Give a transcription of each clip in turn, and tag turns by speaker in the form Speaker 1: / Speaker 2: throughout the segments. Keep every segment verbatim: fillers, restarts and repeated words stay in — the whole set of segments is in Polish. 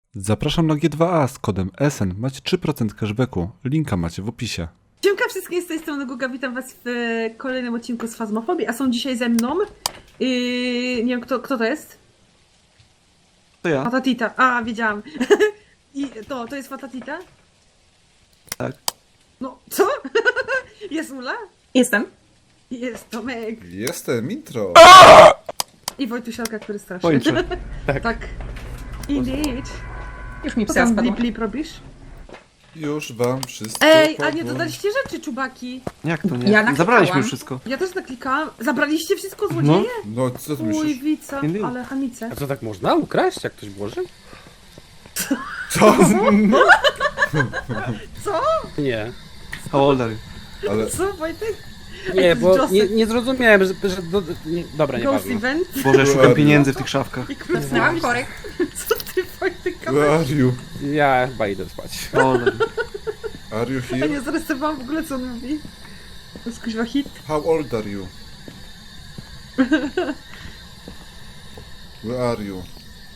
Speaker 1: Zapraszam na G dwa A z kodem S N. Macie trzy procent cashbacku. Linka macie w opisie.
Speaker 2: Siemka wszystkim, z tej strony Guga, witam was w e, kolejnym odcinku z Fazmofobii, a są dzisiaj ze mną, yy, nie wiem kto, kto to jest?
Speaker 1: To ja.
Speaker 2: Fatatita, a wiedziałam. I to, to jest Fatatita?
Speaker 1: Tak.
Speaker 2: No, co? Jest Ula?
Speaker 3: Jestem.
Speaker 2: I jest Tomek.
Speaker 4: Jestem, intro.
Speaker 2: I Wojtusialka, który straszy.
Speaker 1: Pończy.
Speaker 2: tak. tak. Indeed.
Speaker 3: Już mi
Speaker 2: Co
Speaker 3: psa
Speaker 2: tam
Speaker 3: spadło.
Speaker 2: blip blip robisz?
Speaker 4: Już wam wszystko
Speaker 2: Ej, a
Speaker 4: powiem.
Speaker 2: nie dodaliście rzeczy, czubaki.
Speaker 1: Jak to nie?
Speaker 3: Ja naklikałam.
Speaker 1: Zabraliśmy już wszystko.
Speaker 2: Ja też naklikałam. Zabraliście wszystko, złodzieje?
Speaker 4: No, co ty
Speaker 2: Uj,
Speaker 4: myślisz?
Speaker 2: wica,
Speaker 1: Indeed.
Speaker 2: ale hamice.
Speaker 5: A co, tak można ukraść, jak ktoś włoży?
Speaker 4: Co?
Speaker 2: Co?
Speaker 5: Nie.
Speaker 1: How old are you?
Speaker 4: Ale
Speaker 2: Co, Wojtek?
Speaker 5: Nie,
Speaker 2: to
Speaker 5: bo
Speaker 2: jest
Speaker 5: nie,
Speaker 2: Joseph.
Speaker 5: nie zrozumiałem, że... że do, nie, dobra, nie
Speaker 2: Ghost
Speaker 5: ważne.
Speaker 2: event?
Speaker 1: Boże, szukam pieniędzy w tych szafkach.
Speaker 2: I krótko.
Speaker 3: Znałam korek.
Speaker 2: Co ty, Wojtek,
Speaker 4: where
Speaker 2: kamerę?
Speaker 4: are you?
Speaker 5: Ja chyba idę spać.
Speaker 1: How old are you?
Speaker 4: Are you
Speaker 2: Ja
Speaker 4: here?
Speaker 2: nie zarysowałam w ogóle, co on mówi. To jest kuźwa hit.
Speaker 4: How old are you? Where are you?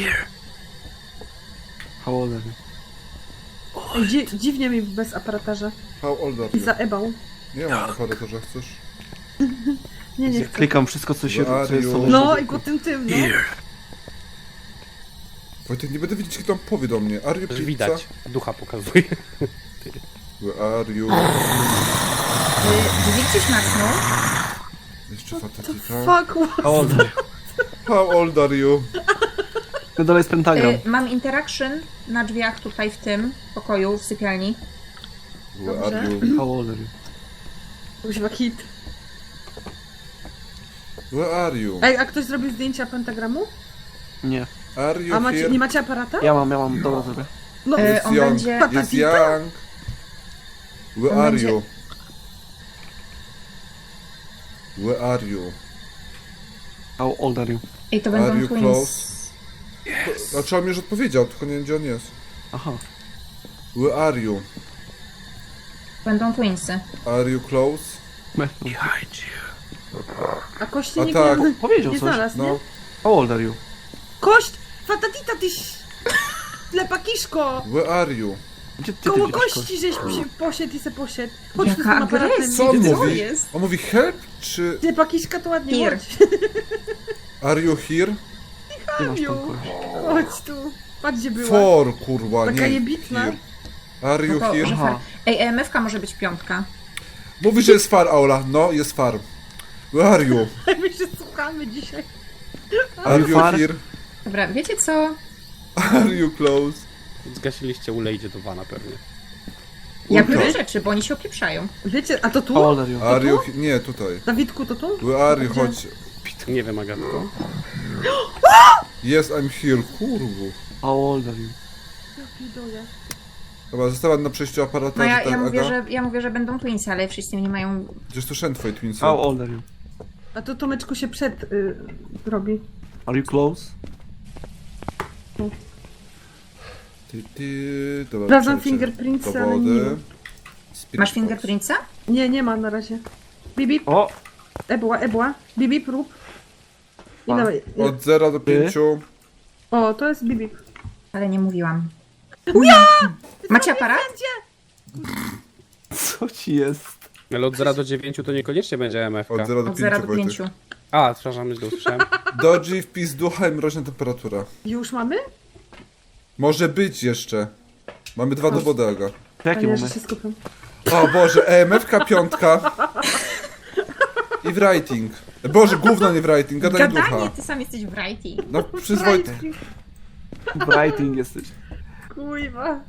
Speaker 1: How old are you?
Speaker 2: Ej, dzi dziwnie mi bez aparatarza.
Speaker 4: How old are
Speaker 2: I
Speaker 4: you?
Speaker 2: zaebał.
Speaker 4: Nie mam aparatorza, chcesz?
Speaker 2: Nie, nie chcę.
Speaker 1: Klikam wszystko, co się...
Speaker 4: Where
Speaker 1: Co
Speaker 4: are
Speaker 1: jest
Speaker 4: you?
Speaker 1: sobie
Speaker 2: No i go tym tym, no.
Speaker 4: Wojtek, nie będę wiedzieć, kto tam powie do mnie. Are you
Speaker 5: Już
Speaker 4: pizza?
Speaker 5: widać. Ducha pokazuje.
Speaker 4: Where are you?
Speaker 3: Drzwi gdzieś machnął.
Speaker 4: Jeszcze fatatita.
Speaker 2: Fuck, what?
Speaker 1: How old are you?
Speaker 4: How old are you?
Speaker 1: No dalej jest pentagram.
Speaker 3: Y, mam interaction na drzwiach tutaj w tym pokoju, w sypialni.
Speaker 4: Where are
Speaker 2: Dobrze.
Speaker 4: you?
Speaker 1: How old are you?
Speaker 2: Kuźwa hit.
Speaker 4: Where are you?
Speaker 2: Ej, a ktoś zrobił zdjęcia pentagramu?
Speaker 1: Nie.
Speaker 4: Are you
Speaker 2: A macie,
Speaker 4: here?
Speaker 2: nie macie aparata?
Speaker 1: Ja mam, ja mam. Dobra, zrobię.
Speaker 2: No,
Speaker 3: E,
Speaker 4: Jest
Speaker 3: on
Speaker 4: young.
Speaker 3: będzie-
Speaker 4: Jest
Speaker 2: Fatatita?
Speaker 4: young. Where
Speaker 3: On
Speaker 4: are
Speaker 3: będzie-
Speaker 4: you? Where are you?
Speaker 1: How old are you?
Speaker 3: I to
Speaker 4: Are
Speaker 3: będą
Speaker 4: you
Speaker 3: twins.
Speaker 4: close? Znaczy on mi już odpowiedział, tylko nie wiem gdzie on jest.
Speaker 1: Aha.
Speaker 4: Where are you?
Speaker 3: Będą twinsy.
Speaker 4: Are you close?
Speaker 2: a kości
Speaker 4: A
Speaker 2: nie,
Speaker 4: tak.
Speaker 2: nie,
Speaker 1: Powiedział
Speaker 2: nie
Speaker 1: coś.
Speaker 2: znalazł, nie?
Speaker 4: No.
Speaker 1: How old are you?
Speaker 2: Kość! Fatatita, tyś... Lepakiszko!
Speaker 4: Where are you?
Speaker 1: Gdzie ty, ty
Speaker 2: Koło
Speaker 1: widzisz
Speaker 2: kości żeś przy- poszedł i se poszedł. Chodź tu z tym
Speaker 3: Jaka
Speaker 2: aparatem.
Speaker 3: agresja.
Speaker 4: Co on
Speaker 3: Co
Speaker 4: mówi?
Speaker 3: jest?
Speaker 4: On mówi help czy
Speaker 2: Lepakiszka to ładnie
Speaker 3: Here.
Speaker 2: chodź.
Speaker 4: are you here?
Speaker 1: Gdzie masz tą
Speaker 2: Miu.
Speaker 1: kość?
Speaker 2: Chodź tu. Patrz gdzie była.
Speaker 4: For kurwa,
Speaker 2: Taka
Speaker 4: nie
Speaker 2: jebitna.
Speaker 4: here. Are
Speaker 3: No
Speaker 4: you
Speaker 3: to,
Speaker 4: here?
Speaker 3: że
Speaker 1: Aha.
Speaker 3: far. Ej, E M F-ka może być piątka.
Speaker 4: Mówi, że jest far, Aula. No, jest far. Where are you?
Speaker 2: My się słuchamy dzisiaj.
Speaker 4: Are you
Speaker 1: far?
Speaker 4: here?
Speaker 3: Dobra, wiecie co?
Speaker 4: Are you close?
Speaker 5: Zgasiliście, ulejdzie do wana pewnie.
Speaker 3: Ja
Speaker 4: Ultra.
Speaker 3: biorę rzeczy, bo oni się opieprzają.
Speaker 2: Wiecie, a to
Speaker 1: How
Speaker 2: tu?
Speaker 1: old are you?
Speaker 4: Are you he- Nie, tutaj.
Speaker 2: Dawidku, to tu?
Speaker 4: Where are you?
Speaker 2: Gdzie?
Speaker 4: Chodź.
Speaker 5: Nie wiem, Agatko.
Speaker 4: Yes, I'm here. Kurwu.
Speaker 1: How old are you?
Speaker 2: Ja pierdolę.
Speaker 4: Dobra, została na przejściu aparata.
Speaker 3: No ja,
Speaker 4: tak,
Speaker 3: ja, mówię,
Speaker 4: Aga?
Speaker 3: że, ja mówię, że będą twinsy, ale wszyscy nie mają...
Speaker 4: Przecież to szedł twoje twinsy.
Speaker 1: How old are you?
Speaker 2: A to Tomeczku się przed y, robi.
Speaker 1: Are you close?
Speaker 4: Ty, ty, dobra,
Speaker 2: Sprawdzam
Speaker 4: przejdźcie.
Speaker 2: fingerprintsy, ale
Speaker 4: Dowody.
Speaker 2: nie ma.
Speaker 4: Spirit
Speaker 3: Masz
Speaker 4: box.
Speaker 3: fingerprintsa?
Speaker 2: Nie, nie ma na razie. Bibi,
Speaker 1: O!
Speaker 2: ebła, ebła. Bibi, prób. I
Speaker 1: A.
Speaker 2: dawaj.
Speaker 4: Od zera do pięciu.
Speaker 2: O, to jest Bibi.
Speaker 3: Ale nie mówiłam. Macie aparat?
Speaker 1: Co ci jest?
Speaker 5: Ale od zera do dziewięciu to niekoniecznie będzie M F K.
Speaker 4: Od zera do
Speaker 3: Od zera
Speaker 4: pięciu,
Speaker 3: do
Speaker 4: Wojtek.
Speaker 3: pięciu.
Speaker 5: A, przepraszam, źle usłyszałem.
Speaker 4: Dodgy, wpis ducha i mroźna temperatura.
Speaker 2: Już mamy?
Speaker 4: Może być jeszcze. Mamy dwa dowody, Aga.
Speaker 1: W jakim
Speaker 2: A nie, że
Speaker 1: momencie?
Speaker 2: się skupiam.
Speaker 4: O Boże, E M F-ka piątka. I w writing. Boże, gówno nie w writing, gadanie
Speaker 3: Gadanie,
Speaker 4: ducha.
Speaker 3: ty sam jesteś w writing.
Speaker 4: No przyzwoity.
Speaker 1: W writing jesteś.
Speaker 2: Kujwa.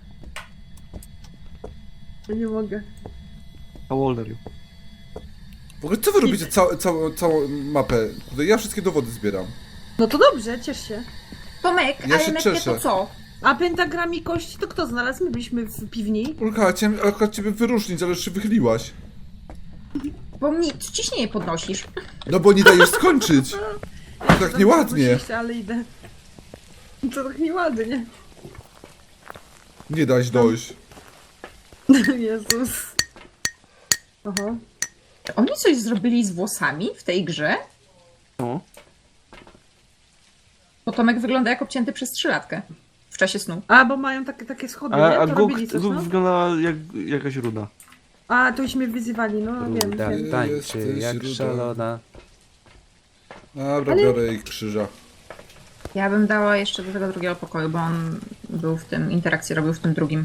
Speaker 2: Ja nie mogę.
Speaker 1: How old are you?
Speaker 4: W ogóle co wy robicie całą, całą, całą mapę? Tutaj ja wszystkie dowody zbieram.
Speaker 2: No to dobrze, ciesz się.
Speaker 3: Tomek,
Speaker 4: Ja
Speaker 3: ale
Speaker 4: się
Speaker 3: M F
Speaker 4: cieszę.
Speaker 3: to co?
Speaker 2: A pentagram i kości to kto znalazł? My byliśmy w piwni.
Speaker 4: Ulka, chciałem akurat ciebie wyróżnić, ale już się wychyliłaś.
Speaker 3: Bo mnie ciśnienie podnosisz.
Speaker 4: No bo nie dajesz skończyć. To tak nieładnie.
Speaker 2: Oczywiście, ale idę. To tak nieładnie.
Speaker 4: Nie dać dojść.
Speaker 2: Jezus. Oho.
Speaker 3: Oni coś zrobili z włosami w tej grze?
Speaker 1: No.
Speaker 3: Bo Tomek wygląda jak obcięty przez trzylatkę. czasie snu.
Speaker 2: A, bo mają takie, takie schody,
Speaker 6: A,
Speaker 2: nie?
Speaker 6: a
Speaker 2: To
Speaker 6: Guk,
Speaker 2: robili coś,
Speaker 6: Guk
Speaker 2: no?
Speaker 6: wyglądała jak jakaś ruda.
Speaker 2: A, to już mnie wyzywali, no wiem,
Speaker 5: Ruda
Speaker 2: wiem.
Speaker 5: tańczy
Speaker 4: Jesteś
Speaker 5: jak
Speaker 4: ruda.
Speaker 5: szalona.
Speaker 4: Dobra,
Speaker 2: Ale-
Speaker 4: biorę jej krzyża.
Speaker 3: Ja bym dała jeszcze do tego drugiego pokoju, bo on był w tym, interakcję robił w tym drugim.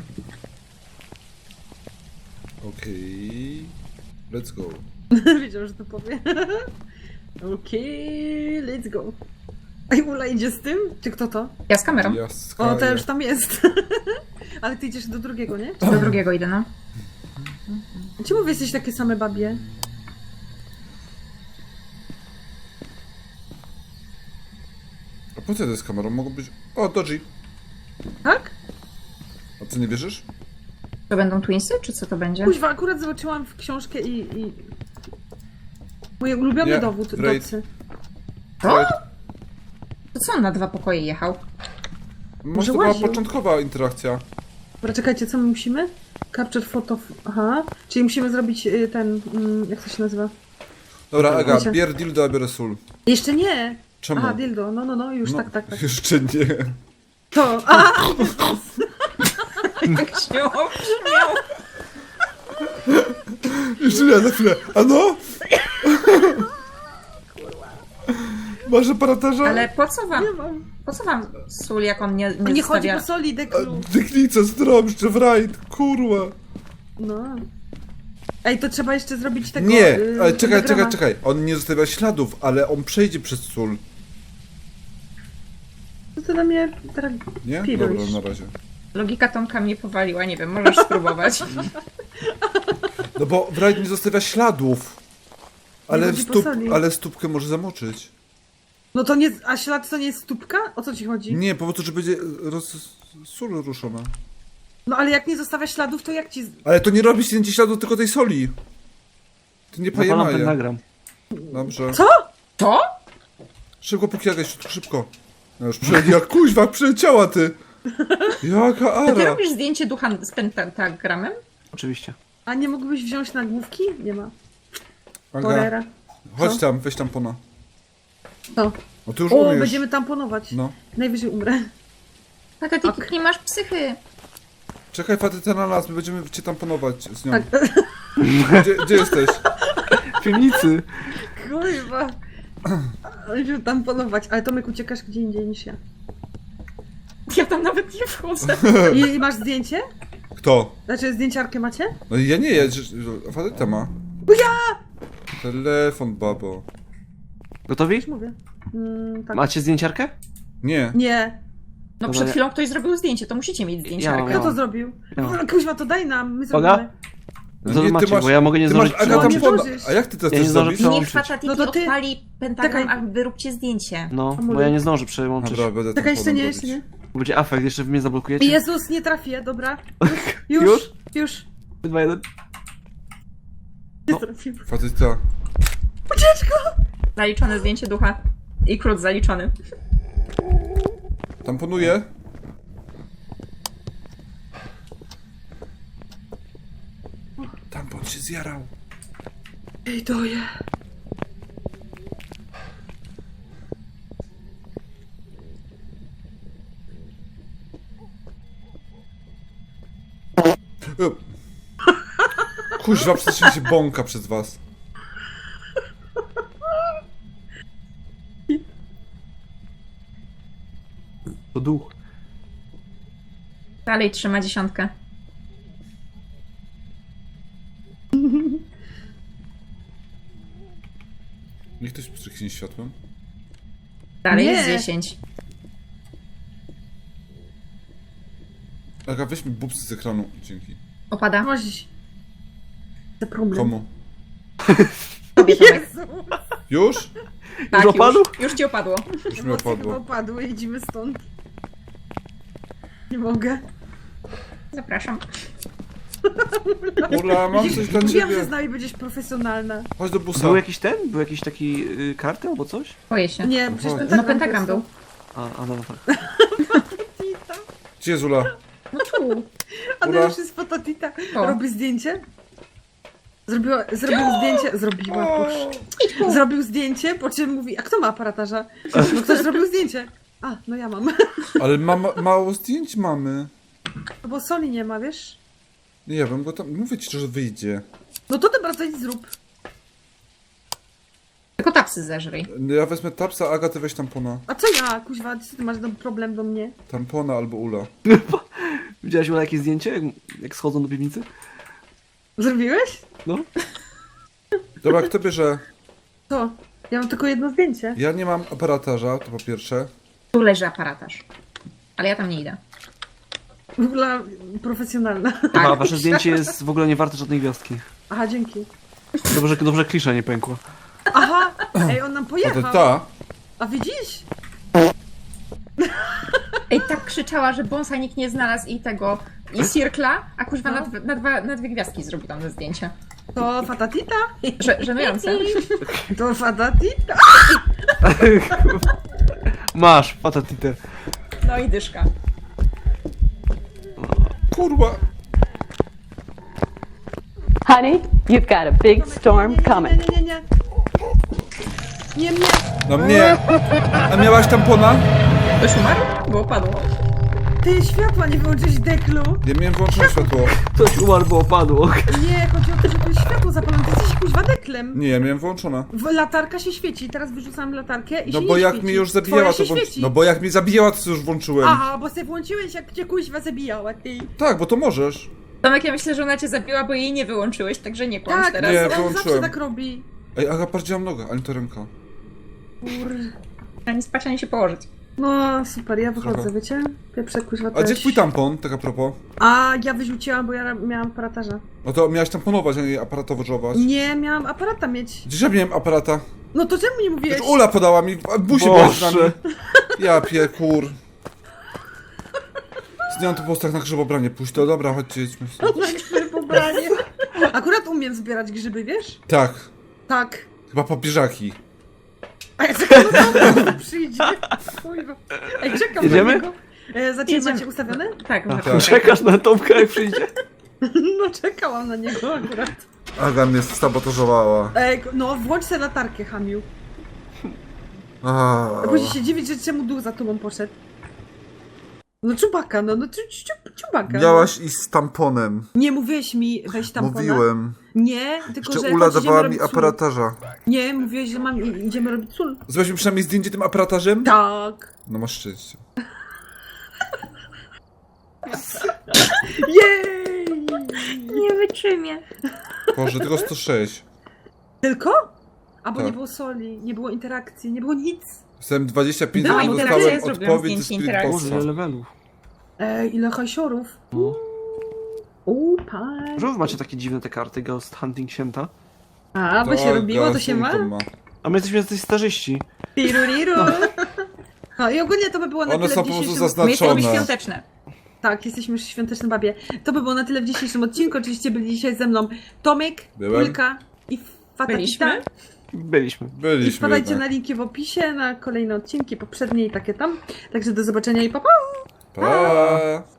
Speaker 4: Okej. Let's go.
Speaker 2: Wiedział, że to powie. Okej, let's go. Ej, Ula idzie z tym? Czy kto to?
Speaker 3: Ja z kamerą.
Speaker 4: Ja
Speaker 2: O, to już tam jest. Ale ty idziesz do drugiego, nie?
Speaker 3: Do drugiego idę, no.
Speaker 2: Czemu wy jesteś takie same babie?
Speaker 4: A po co to z kamerą? Mogą być... O, Dodgy.
Speaker 2: Tak?
Speaker 4: A ty nie wierzysz?
Speaker 3: To będą twinsy, czy co to będzie?
Speaker 2: Kuźwa, akurat zobaczyłam w książkę i... i... Mój ulubiony
Speaker 4: Nie,
Speaker 2: dowód,
Speaker 4: Raid.
Speaker 2: docy.
Speaker 3: O! To co on na dwa pokoje jechał?
Speaker 4: Może to była
Speaker 2: łaził.
Speaker 4: początkowa interakcja.
Speaker 2: Dobra, czekajcie, co my musimy? Capture photo... Aha. Czyli musimy zrobić y, ten... Mm, jak to się nazywa?
Speaker 4: Dobra, Aga,
Speaker 2: Wiecie.
Speaker 4: bier dildo, a biorę sól.
Speaker 2: Jeszcze nie!
Speaker 4: Czemu?
Speaker 2: Aha, dildo. No, no, no, już
Speaker 4: No,
Speaker 2: tak, tak, tak.
Speaker 4: Jeszcze nie.
Speaker 2: To... A!
Speaker 3: Jak się obśmiał.
Speaker 4: Jeszcze nie, za chwilę. A no? Masz aparatarza?
Speaker 3: Ale po co wam,
Speaker 2: Nie mam.
Speaker 3: po co wam sól, jak on nie, nie,
Speaker 2: Nie chodzi
Speaker 3: zostawia...
Speaker 2: po soli, deklu.
Speaker 4: Dyklica, zdrąbszcze, w rajd, kurwa.
Speaker 2: No. Ej, to trzeba jeszcze zrobić tego...
Speaker 4: Nie,
Speaker 2: y,
Speaker 4: ale czekaj,
Speaker 2: diagrama.
Speaker 4: czekaj, czekaj. On nie zostawia śladów, ale on przejdzie przez sól.
Speaker 2: Co ty na mnie teraz...
Speaker 4: Nie?
Speaker 2: Piruś.
Speaker 4: Dobra, na razie.
Speaker 3: Logika Tomka mnie powaliła, nie wiem, możesz spróbować.
Speaker 4: No bo w rajd nie zostawia śladów. Ale,
Speaker 2: chodzi po
Speaker 4: stup,
Speaker 2: soli.
Speaker 4: ale stópkę może zamoczyć.
Speaker 2: No to nie... A ślad to nie jest stópka? O co ci chodzi?
Speaker 4: Nie, po prostu, że będzie roz... sól ruszona.
Speaker 2: No ale jak nie zostawia śladów, to jak ci... z-
Speaker 4: Ale to nie robi zdjęcie śladu, tylko tej soli. Ty nie
Speaker 6: Zapalam
Speaker 4: pajemaje.
Speaker 6: pentagram.
Speaker 4: Dobrze.
Speaker 2: Co?
Speaker 3: To?
Speaker 4: Szybko, póki jakaś, szybko. No już przyleci, jak kuźwa, przyleciała ty. Jaka
Speaker 3: To ty
Speaker 4: ara.
Speaker 3: robisz zdjęcie ducha z pentagramem?
Speaker 6: Oczywiście.
Speaker 2: A nie mógłbyś wziąć nagłówki? Nie ma.
Speaker 4: Aga,
Speaker 2: Porera.
Speaker 4: chodź
Speaker 2: Co?
Speaker 4: tam, weź tampona.
Speaker 2: Co?
Speaker 4: No ty już
Speaker 2: O,
Speaker 4: umiesz.
Speaker 2: będziemy tamponować.
Speaker 4: No.
Speaker 2: Najwyżej umrę.
Speaker 3: Tak, a ty
Speaker 2: Ok.
Speaker 3: nie masz psychy.
Speaker 4: Czekaj, fatyta na nas, my będziemy cię tamponować z nią.
Speaker 2: Tak.
Speaker 4: Gdzie, gdzie jesteś?
Speaker 6: W piwnicy.
Speaker 2: Kurwa. Będziemy tamponować, ale Tomek uciekasz gdzie indziej niż ja.
Speaker 3: Ja tam nawet nie wchodzę.
Speaker 2: I, i masz zdjęcie?
Speaker 4: Kto?
Speaker 2: Znaczy zdjęciarkę macie?
Speaker 4: No ja nie, ja, że- fatyta ma.
Speaker 2: Bo ja!
Speaker 4: Telefon, babo.
Speaker 6: Gotowi?
Speaker 2: Już mówię. Mm, tak.
Speaker 6: Macie zdjęciarkę?
Speaker 4: Nie.
Speaker 2: Nie.
Speaker 3: No
Speaker 6: Dobra,
Speaker 3: przed
Speaker 6: ja-
Speaker 3: chwilą ktoś zrobił zdjęcie, to musicie mieć zdjęcie.
Speaker 6: Ja mam,
Speaker 2: Kto to
Speaker 6: mam.
Speaker 2: zrobił?
Speaker 6: Ja.
Speaker 2: No, Kuźwa, to daj nam, my
Speaker 6: Uwaga.
Speaker 2: zrobimy.
Speaker 4: No
Speaker 6: To
Speaker 4: nie,
Speaker 6: macie, bo ja mogę nie
Speaker 4: ty masz,
Speaker 6: zdążyć
Speaker 4: Aga,
Speaker 2: No, nie
Speaker 4: tampona.
Speaker 2: zdążysz.
Speaker 4: A jak ty to
Speaker 6: Ja nie
Speaker 4: chcesz
Speaker 6: zdążę
Speaker 4: zrobić?
Speaker 6: przełączyć.
Speaker 3: Niech Fatatiki
Speaker 2: No to ty-
Speaker 3: odpali pentagram,
Speaker 2: Czekaj.
Speaker 3: a wy róbcie zdjęcie.
Speaker 6: No,
Speaker 2: Amulet.
Speaker 6: bo ja nie zdążę przełączyć.
Speaker 4: Dobra, będę
Speaker 2: Czekaj, jeszcze nie,
Speaker 4: tamponem
Speaker 2: jeszcze nie.
Speaker 4: robić.
Speaker 6: Bo będzie afekt, jeszcze wy mnie zablokujecie.
Speaker 2: Jezus, nie trafię, dobra. Już,
Speaker 6: Już?
Speaker 2: już. już.
Speaker 6: dwa, jeden.
Speaker 2: Nie
Speaker 6: No.
Speaker 2: trafiłem.
Speaker 4: Fatyta.
Speaker 3: Zaliczone zdjęcie ducha. I krót zaliczony.
Speaker 4: Tamponuję. Tampon się zjarał.
Speaker 2: Ej, doje.
Speaker 4: E. Kuźwa, przecież się bąka przez was.
Speaker 6: To duch.
Speaker 3: Dalej trzyma dziesiątkę.
Speaker 4: Niech ktoś pstryknie światłem.
Speaker 3: Dalej
Speaker 2: Nie.
Speaker 3: jest dziesięć.
Speaker 4: Aga, weźmy bubsy z ekranu. Dzięki.
Speaker 3: Opada.
Speaker 2: Masz... To problem.
Speaker 4: Komu?
Speaker 3: Tobie, Tomek.
Speaker 4: Już?
Speaker 3: Tak,
Speaker 6: Już opadł?
Speaker 3: Już, już ci opadło.
Speaker 4: Już mi
Speaker 2: Emocje chyba
Speaker 4: opadło.
Speaker 2: opadły, idziemy stąd. Nie mogę.
Speaker 3: Zapraszam.
Speaker 4: Ula, mam coś dla
Speaker 2: Mówiłam, że z
Speaker 4: ciebie.
Speaker 2: nami będziesz profesjonalna.
Speaker 4: Chodź do busa.
Speaker 6: Był jakiś ten? Był jakiś taki y, karty albo coś?
Speaker 3: Boję się.
Speaker 2: Nie, przecież
Speaker 4: No,
Speaker 2: pentagram.
Speaker 3: No pentagram był.
Speaker 6: A, a no tak.
Speaker 4: Gdzie jest Ula?
Speaker 3: No tu.
Speaker 2: A
Speaker 4: Ura.
Speaker 2: to już jest fototita.
Speaker 3: O.
Speaker 2: Robi zdjęcie. Zrobiła, zrobił zdjęcie. Zrobiła, boż. Zrobił zdjęcie, po czym mówi, a kto ma aparatarza? No ktoś zrobił zdjęcie. A, no ja mam.
Speaker 4: Ale ma, mało zdjęć mamy.
Speaker 2: Bo soli nie ma, wiesz?
Speaker 4: Nie wiem, bo tam... Mówię ci, że wyjdzie.
Speaker 2: No to dobra, to idź zrób.
Speaker 3: Tylko tapsy zeżryj.
Speaker 4: Ja wezmę tapsa, Aga, ty weź tampona.
Speaker 2: A co ja, kuźwa, ty masz do- problem do mnie?
Speaker 4: Tampona albo Ula.
Speaker 6: Widziałaś Ula jakieś zdjęcie, jak, jak schodzą do piwnicy?
Speaker 2: Zrobiłeś?
Speaker 6: No.
Speaker 4: Dobra, kto bierze?
Speaker 2: To. Ja mam tylko jedno zdjęcie.
Speaker 4: Ja nie mam aparatarza, to po pierwsze.
Speaker 3: Tu leży aparatarz. Ale ja tam nie idę.
Speaker 2: W ogóle profesjonalna.
Speaker 6: A wasze zdjęcie jest w ogóle nie warte żadnej gwiazdki.
Speaker 2: Aha, dzięki.
Speaker 6: Dobrze, dobrze klisza nie pękła.
Speaker 2: Aha! Ej, on nam
Speaker 4: A to
Speaker 2: pojechał.
Speaker 4: ta.
Speaker 2: A widzisz?
Speaker 3: Ej, tak krzyczała, że bonsa nikt nie znalazł i tego, i cirkla, a kuźwa na, dwa- na, dwa, na dwie gwiazdki zrobił tam ze zdjęcia.
Speaker 2: To fatatita?
Speaker 3: Że, żenujące.
Speaker 2: To fatatita?
Speaker 6: Masz, patatite.
Speaker 3: No i dyszka.
Speaker 4: Kurwa.
Speaker 7: Honey, you've got a big storm
Speaker 2: nie, nie,
Speaker 7: coming.
Speaker 2: nie, nie, nie, nie. Nie, nie.
Speaker 4: No mnie. A miałaś tampona?
Speaker 3: Ktoś umarł? Bo padło.
Speaker 2: Ty światła nie wyłączyłeś deklu.
Speaker 4: Ja miałem włączone światło.
Speaker 6: Ktoś umarł, bo opadło.
Speaker 2: Nie, chodzi o to, że tu jest światło zapalone. Ty jesteś kuźwa deklem.
Speaker 4: Nie, ja miałem włączone.
Speaker 2: W latarka się świeci. Teraz wyrzucam latarkę i
Speaker 4: No
Speaker 2: się
Speaker 4: bo
Speaker 2: nie
Speaker 4: jak
Speaker 2: świeci.
Speaker 4: mnie już zabijała,
Speaker 2: Twoja
Speaker 4: to
Speaker 2: się
Speaker 4: włącz...
Speaker 2: świeci.
Speaker 4: No bo jak mnie zabijała, to już włączyłem.
Speaker 2: Aha, bo se włączyłeś, jak cię kuźwa zabijała, ty.
Speaker 4: Tak, bo to możesz.
Speaker 3: Tomek, ja myślę, że ona cię zabiła, bo jej nie wyłączyłeś, także nie kłamsz
Speaker 2: Tak,
Speaker 3: teraz.
Speaker 4: Nie,
Speaker 2: on zawsze
Speaker 4: wyłączyłem.
Speaker 2: tak robi.
Speaker 4: Ej, Aga, patrz, gdzie mam nogę, ani to ręka.
Speaker 2: Kur...
Speaker 3: Ani spać, ani się położyć.
Speaker 2: No super, ja wychodzę,
Speaker 4: Trochę.
Speaker 2: wiecie? Pieprze kuźwa
Speaker 4: A
Speaker 2: też.
Speaker 4: gdzie twój tampon, tak a propos?
Speaker 2: A, ja wyrzuciłam, bo ja miałam aparatarza.
Speaker 4: No to miałaś tamponować, a nie aparatowożować.
Speaker 2: Nie, miałam aparata mieć.
Speaker 4: Gdzież ja miałem aparata?
Speaker 2: No to czemu nie mówiłeś?
Speaker 4: Przecież Ula podała mi, a busie była z nami.
Speaker 6: Boże.
Speaker 4: Ja piekur. Zdjąłem to po postach na grzybobranie, pójść to, dobra, chodźcie, jedźmy.
Speaker 2: Na pobranie. Akurat umiem zbierać grzyby, wiesz?
Speaker 4: Tak,
Speaker 2: Tak.
Speaker 4: chyba papieżaki.
Speaker 2: A ja czekam na to, przyjdzie. Kurwa. Ej, czekam
Speaker 6: Jedziemy?
Speaker 2: na niego. E, za ciebie
Speaker 3: Jedziemy.
Speaker 2: macie ustawione?
Speaker 3: Tak,
Speaker 4: Tak.
Speaker 3: tak.
Speaker 6: Czekasz na Tomka, jak przyjdzie?
Speaker 2: No czekałam na niego akurat.
Speaker 4: Aga mnie sabotażowała.
Speaker 2: Ej, no włącz sobie latarkę, Hamiu.
Speaker 4: A,
Speaker 2: A później się dziwić, że czemu duch za tobą poszedł. No czubaka, no, no czu- czu- czubaka.
Speaker 4: Miałaś iść z tamponem.
Speaker 2: Nie mówiłeś mi, weź tampona.
Speaker 4: Mówiłem.
Speaker 2: Nie, tylko
Speaker 4: Jeszcze
Speaker 2: że
Speaker 4: Ula
Speaker 2: chodź, idziemy
Speaker 4: dawała mi
Speaker 2: robić sól.
Speaker 4: aparatarza.
Speaker 2: Nie, mówiłeś, że mam, i- idziemy robić sól.
Speaker 4: Zrobiłeś mi przynajmniej zdjęcie tym aparatarzem?
Speaker 2: Tak.
Speaker 4: No masz szczęście.
Speaker 2: Jej!
Speaker 3: Nie wytrzymie.
Speaker 4: Boże, tylko sto sześć.
Speaker 2: Tylko? A bo
Speaker 4: Tak.
Speaker 2: nie było soli, nie było interakcji, nie było nic.
Speaker 4: Dostałem dwadzieścia pięć
Speaker 3: Była
Speaker 4: minut,
Speaker 3: interakcja,
Speaker 4: dostałem
Speaker 3: ja zrobiłam
Speaker 4: odpowiedź ze
Speaker 3: zdjęcie
Speaker 4: Spirit
Speaker 3: interakcji.
Speaker 6: Boże,
Speaker 4: Boxa.
Speaker 6: ile levelów.
Speaker 2: Ej, ile hajsiorów.
Speaker 6: No.
Speaker 2: Uuu, pan.
Speaker 6: Że wy macie takie dziwne te karty, Ghost Hunting Sięta?
Speaker 2: A, bo się robiło, to się ma?
Speaker 4: Gasunką
Speaker 6: A my jesteśmy jacyś starzyści.
Speaker 2: Piruriru. No i ogólnie to by było na
Speaker 4: One
Speaker 2: tyle
Speaker 4: są
Speaker 2: w
Speaker 4: po prostu
Speaker 2: dzisiejszym...
Speaker 3: My jesteśmy
Speaker 4: zaznaczone.
Speaker 3: świąteczne.
Speaker 2: Tak, jesteśmy już świąteczne babie. To by było na tyle w dzisiejszym odcinku. Oczywiście byli dzisiaj ze mną Tomek,
Speaker 4: Byłem.
Speaker 2: Ulka i Fatatita.
Speaker 3: Byliśmy.
Speaker 6: Byliśmy.
Speaker 2: I
Speaker 4: Byliśmy
Speaker 2: wpadajcie
Speaker 4: jednak.
Speaker 2: na linki w opisie, na kolejne odcinki, poprzednie i takie tam. Także do zobaczenia i pa pa!
Speaker 4: Pa!